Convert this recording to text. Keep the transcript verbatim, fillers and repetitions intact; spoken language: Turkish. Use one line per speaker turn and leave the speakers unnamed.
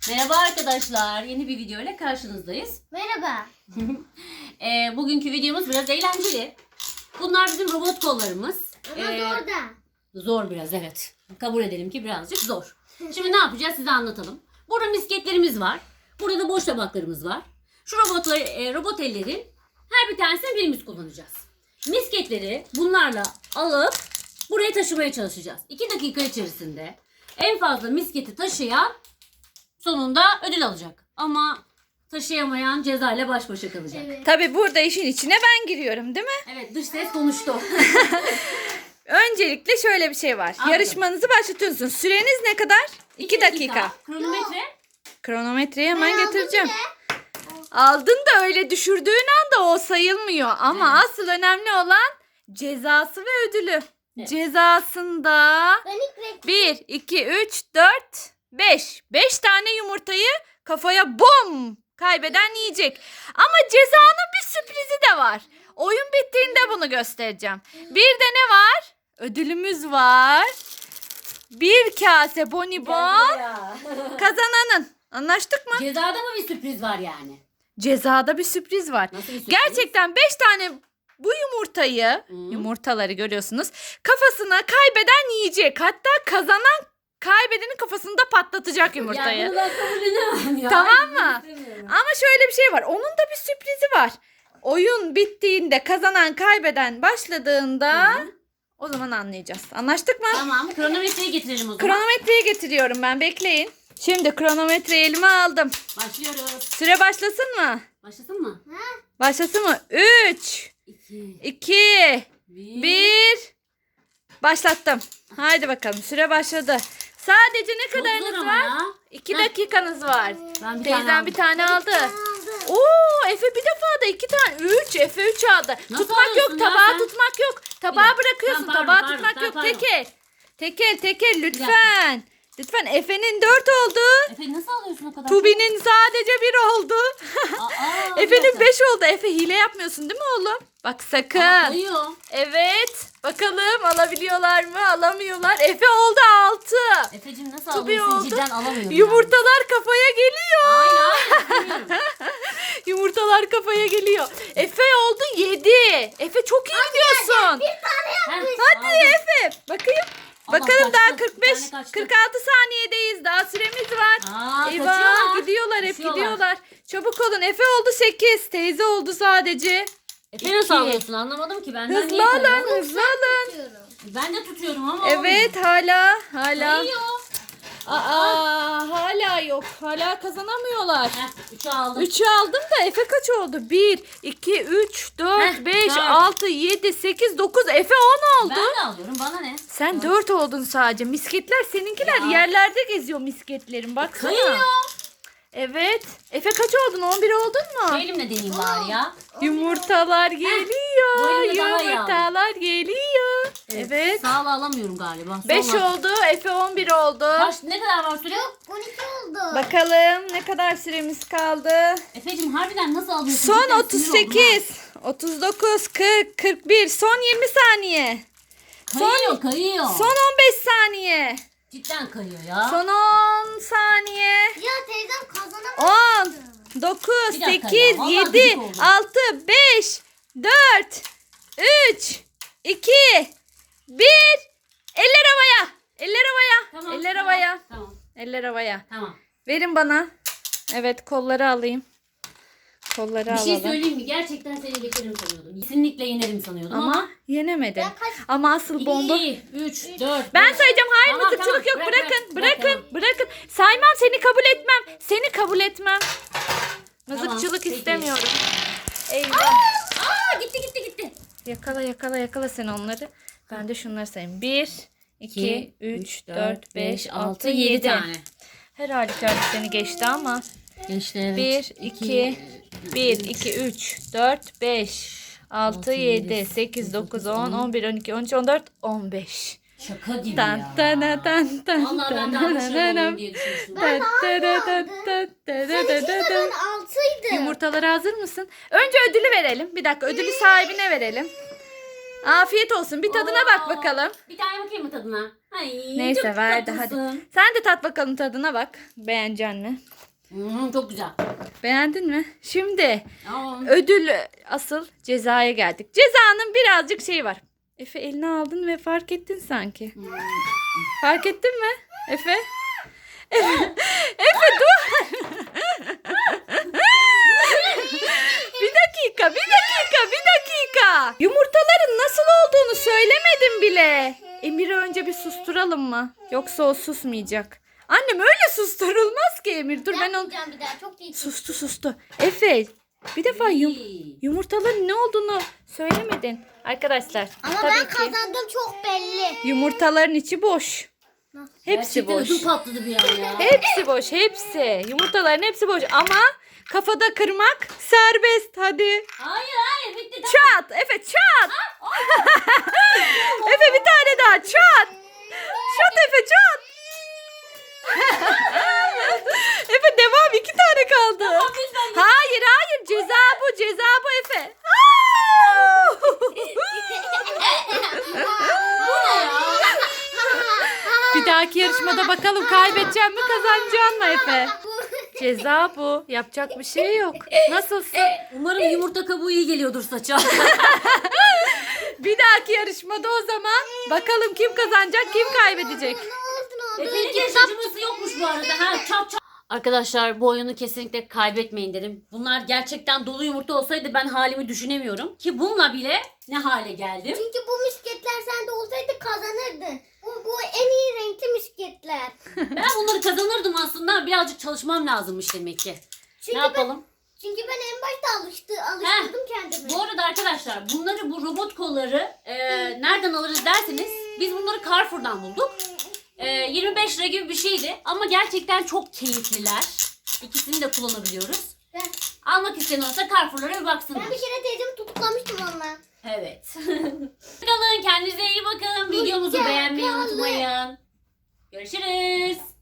Merhaba arkadaşlar. Yeni bir video ile karşınızdayız.
Merhaba.
e, bugünkü videomuz biraz eğlenceli. Bunlar bizim robot kollarımız.
Ama
E,
zor da.
Zor biraz, evet. Kabul edelim ki birazcık zor. Şimdi ne yapacağız size anlatalım. Burada misketlerimiz var. Burada da boş tabaklarımız var. Şu robotları, e, robot ellerin her bir tanesini birimiz kullanacağız. Misketleri bunlarla alıp buraya taşımaya çalışacağız. iki dakika içerisinde en fazla misketi taşıyan sonunda ödül alacak. Ama taşıyamayan ceza ile baş başa kalacak. Evet,
Evet.
Tabii burada işin içine ben giriyorum, değil mi?
evet, dış ses konuştu.
Öncelikle şöyle bir şey var.
Aldım.
Yarışmanızı başlatıyorsunuz. Süreniz ne kadar? iki dakika.
Kronometre.
Kronometreyi hemen
Ben aldım
getireceğim.
bile.
Aldın da öyle düşürdüğün anda o sayılmıyor. Ama
Evet.
asıl önemli olan cezası ve ödülü.
Evet.
Cezasında
Ben ilk renk.
bir, iki, üç, dört, beş. beş tane yumurtayı kafaya bom kaybeden yiyecek. Ama cezanın bir sürprizi de var. Oyun bittiğinde bunu göstereceğim. Bir de ne var? Ödülümüz var. Bir kase bonibon kazananın. Anlaştık mı?
Cezada mı bir sürpriz var yani?
Cezada bir sürpriz var.
Nasıl bir sürpriz?
Gerçekten beş tane bu yumurtayı,
Hmm.
yumurtaları görüyorsunuz, kafasına kaybeden yiyecek. Hatta kazanan kaybedenin kafasında patlatacak yumurtayı.
Ya bunu ben kabul edemem ya.
Tamam
Ben
mı?
istemiyorum.
Ama şöyle bir şey var. Onun da bir sürprizi var. Oyun bittiğinde kazanan kaybeden başladığında
Hı hı.
o zaman anlayacağız. Anlaştık mı?
Tamam, kronometreyi getirelim o zaman.
Kronometreyi getiriyorum ben. Bekleyin. Şimdi kronometreyi elime aldım.
Başlıyoruz.
Süre başlasın mı?
Başlasın mı?
Başlasın mı? üç,
İki,
iki,
bir.
bir. Başlattım. Haydi bakalım. Süre başladı. Sadece ne
Çok zor
kadarınız
ama
var?
ya.
iki
Heh.
dakikanız var.
Ben bir
Teyzem
tane
bir
aldım.
tane aldı.
Aldım.
Oo, Efe bir defa da iki tane. Üç. Efe üç aldı.
Nasıl
tutmak yok.
alıyorsun ya
Tabağı
sen?
tutmak yok.
Bir
Tabağı
dakika.
bırakıyorsun.
Tamam,
tabağı
pardon,
tutmak
pardon,
yok.
pardon.
Tekel. Tekel tekel
dakika.
lütfen. Lütfen. Efe'nin dört oldu.
Efe nasıl alıyorsun o kadar?
Tubi'nin sadece bir oldu.
Aa, aa, bir
Efe'nin
dakika.
beş oldu. Efe hile yapmıyorsun değil mi oğlum? Bak sakın.
Ama kayıyor.
Evet. Bakalım alabiliyorlar mı? Alamıyorlar. Efe oldu altı.
Efe'cim nasıl
Tubi
alıyorsun?
oldu.
Cidden alamıyorum.
Yumurtalar kafaya geliyor.
Yani. Hayır hayır istemiyorum.
Yumurtalar kafaya geliyor. Efe oldu yedi. Efe çok iyi gidiyorsun.
Heh,
Hadi
aldım.
Efe. Bakayım.
Allah,
Bakalım
kaçtı.
daha kırk beş
Bir tane kaçtı.
kırk altı saniyedeyiz. Daha süremiz var.
Aa,
Eyvah
kaçıyorlar.
gidiyorlar hep
Kaçıyorlar.
gidiyorlar. Çabuk olun. Efe oldu sekiz. Teyze oldu sadece.
Efe nasıl
İki.
alıyorsun anlamadım ki benden
Hızlı
niye kayıyor?
alın hızlı alın.
Ben de tutuyorum ama
Evet hala hala.
olmuyor.
Aa hala yok. Hala kazanamıyorlar.
Heh, üçü aldım.
üçü aldım da Efe kaç oldu? bir, iki, üç, dört,
Heh,
beş,
dört.
altı, yedi, sekiz, dokuz. Efe on oldu.
Ben de alıyorum bana ne?
Sen dört oldun sadece. Misketler seninkiler
Ya.
yerlerde geziyor misketlerin. Baksana.
Kayıyor.
Evet. Efe kaç oldun? on bir oldun mu?
Şu elimle deneyeyim bari ya.
Yumurtalar
Bu
geliyor.
elimde daha iyi
Yumurtalar geliyor. Evet.
Sağla alamıyorum galiba.
beş
Solla.
oldu. Efe on bir oldu.
Kaç, ne kadar var süre?
on iki oldu.
Bakalım ne kadar süremiz kaldı.
Efe'cim harbiden nasıl alıyorsun?
Son
Cidden
otuz
sinir oldum
sekiz, otuz dokuz, kırk, kırk bir, son yirmi saniye.
ha. Kayıyor kayıyor.
Son on beş saniye.
Cidden kayıyor ya.
Son on saniye.
Ya teyzem kazanamadı.
on, dokuz,
Bir dakika
sekiz,
ya, vallahi
yedi,
gıcık oldum.
altı, beş, dört, üç, iki, bir. Eller havaya. Eller havaya.
Tamam,
Eller
tamam,
havaya.
Tamam
Eller havaya.
tamam.
Verin bana. Evet kolları alayım. Kolları
Bir
alalım.
şey söyleyeyim mi? Gerçekten seni geçerim sanıyordum. Kesinlikle yenerim sanıyordum ama.
Ama yenemedin.
Ben kaç-
Ama asıl bomba.
iki, üç, dört,
Ben
beş.
sayacağım. Hayır
Tamam,
mızıkçılık
tamam.
yok.
Bırak,
Bırakın.
bırak,
bırakın.
bırak,
Bırakın. Saymam seni kabul etmem. Seni kabul etmem. Mızıkçılık
peki.
istemiyorum. Eyvah.
Aa gitti gitti gitti.
Yakala yakala yakala sen onları. Ben de şunları sayayım. bir, iki, üç, dört, beş, altı, yedi.
tane.
Her halükarda seni geçti ama.
Geçti evet.
bir, iki, bir, iki, üç, dört, beş, altı, yedi, sekiz, dokuz, on, on bir, on iki, on üç, on dört, on beş.
Şaka gibi
Tan
ya.
tan tan tan
Vallahi ben
tan
daha başarılı
tan
olayım diye düşünmüştüm.
Ben
tan
altı
tan
aldım.
tan tan
Seninki de
tan.
ben altıydı.
Yumurtalara hazır mısın? Önce ödülü verelim. Bir dakika ödülü sahibine verelim. Afiyet olsun. Bir tadına bak
Oo,
bakalım.
Bir tane bakayım mı tadına? Ay,
Neyse
çok
verdi hadi.
tatlısın.
Sen de tat bakalım tadına bak. Beğenecek mi?
Hmm, çok güzel.
Beğendin mi? Şimdi
Aa,
ödül asıl cezaya geldik. Cezanın birazcık şeyi var. Efe eline aldın ve fark ettin sanki.
hmm.
Fark ettin mi Efe? Efe, Efe dur. Bir dakika, bir dakika, bir dakika. Yumurtaların nasıl olduğunu söylemedim bile. Emir'i önce bir susturalım mı? Yoksa o susmayacak. Annem öyle susturulmaz ki Emir. Dur ben onu...
Yapmayacağım bir daha. Çok iyi.
Sustu sustu. Efe bir defa yum...
İyi.
yumurtaların ne olduğunu söylemedin. Arkadaşlar
Ama
tabii
ben
ki
kazandım çok belli.
yumurtaların içi boş. Hepsi
Gerçekten
boş.
ödüm patladı bir an ya.
Hepsi boş, hepsi. Yumurtaların hepsi boş ama kafada kırmak serbest. Hadi.
Hayır hayır bitti tamam.
Çat. Efe çat. Efe bir tane daha çat. Çat Efe çat. Efe devam iki tane kaldı.
lütfen.
Hayır hayır ceza bu ceza bu Efe. Bir dahaki yarışmada bakalım kaybedeceğim mi kazanacağım mı Efe? Ceza bu. Yapacak bir şey yok. Nasılsın?
Umarım yumurta kabuğu iyi geliyordur saça.
Bir dahaki yarışmada o zaman bakalım kim kazanacak kim kaybedecek.
Ne oldu ne oldu?
Efe'nin de acıması yokmuş bu arada. Ha, çap çap. Arkadaşlar bu oyunu kesinlikle kaybetmeyin derim. Bunlar gerçekten dolu yumurta olsaydı ben halimi düşünemiyorum. Ki bununla bile ne hale geldim.
Çünkü bu misketler sende olsaydı kazanırdın. Bu, bu en iyi renkli misketler.
Ben bunları kazanırdım aslında. Birazcık çalışmam lazımmış demek ki.
Çünkü
Ne yapalım?
Ben, çünkü ben en başta alıştı, alıştırdım kendimi.
Bu arada arkadaşlar bunları bu robot kolları e, nereden alırız derseniz biz bunları Carrefour'dan bulduk. E, yirmi beş lira gibi bir şeydi ama gerçekten çok keyifliler. İkisini de kullanabiliyoruz.
Ben,
Almak isteyen olsa Carrefour'lara bir baksınlar.
ben bir kere teyzemi tutuklamıştım onunla.
Evet. Bakalım kendinize iyi bakın. Videomuzu
Hoşça
beğenmeyi
kalın.
unutmayın. Görüşürüz.